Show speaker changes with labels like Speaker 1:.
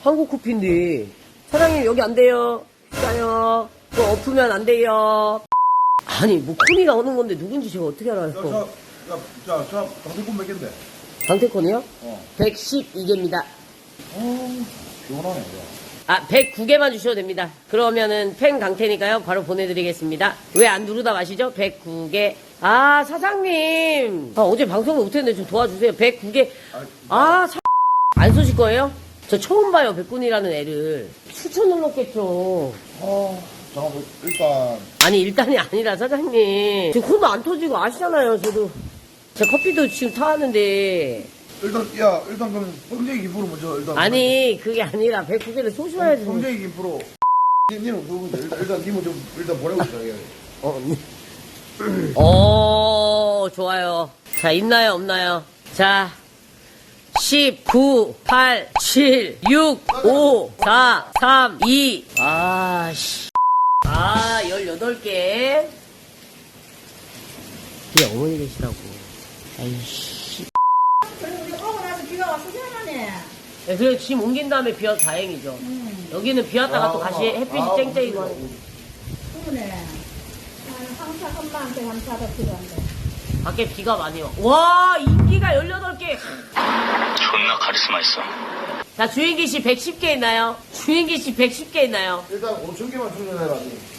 Speaker 1: 한국 커피인데. 사장님, 여기 안 돼요. 짜요. 그거 엎으면 안 돼요. 아니, 뭐, 콘이 나오는 건데 누군지 제가 어떻게 알아요?
Speaker 2: 강태권 몇 개인데?
Speaker 1: 강태콘이요? 112개입니다.
Speaker 2: 시원하네, 이거.
Speaker 1: 아, 109개만 주셔도 됩니다. 그러면은 팬 강태니까요. 바로 보내드리겠습니다. 왜 안 누르다 마시죠? 109개. 아, 사장님. 아, 어제 방송을 못했는데 좀 도와주세요. 109개. 안 쏘실 거예요? 저 처음 봐요, 백군이라는 애를. 추천 눌렀겠죠.
Speaker 2: 잠깐만, 일단.
Speaker 1: 아니, 일단이 아니라 사장님. 지금 콘도 안 터지고 아시잖아요, 저도. 제 커피도 지금 타왔는데.
Speaker 2: 일단 그럼 뻥쟁이 김프로 먼저, 일단.
Speaker 1: 아니, 그게 아니라 109개를 쏘셔야지.
Speaker 2: 뻥쟁이 김프로. 니는 누군데? 일단 님은 좀, 일단 보내고 있어,
Speaker 1: 좋아요. 자, 있나요, 없나요? 자, 10, 9, 8, 7, 6, 5, 4, 3, 2. 18개. 뒤에 어머니 계시다고. 아이씨.
Speaker 3: 우리 오고 나서 비가 와서 시원하네.
Speaker 1: 네, 그래, 짐 옮긴 다음에 비 와서 다행이죠. 여기는 비 왔다가 또 다시 햇빛이 쨍쨍이고 하고.
Speaker 3: 그러네. 황사 한마한테 황사가 필요한데.
Speaker 1: 밖에 비가 많이 와. 와, 인기가 18개.
Speaker 4: 존나 카리스마 있어.
Speaker 1: 자, 주인기 씨 110개 있나요? 주인기 씨 110개 있나요?
Speaker 2: 일단 5,000개만 충전해라, 니.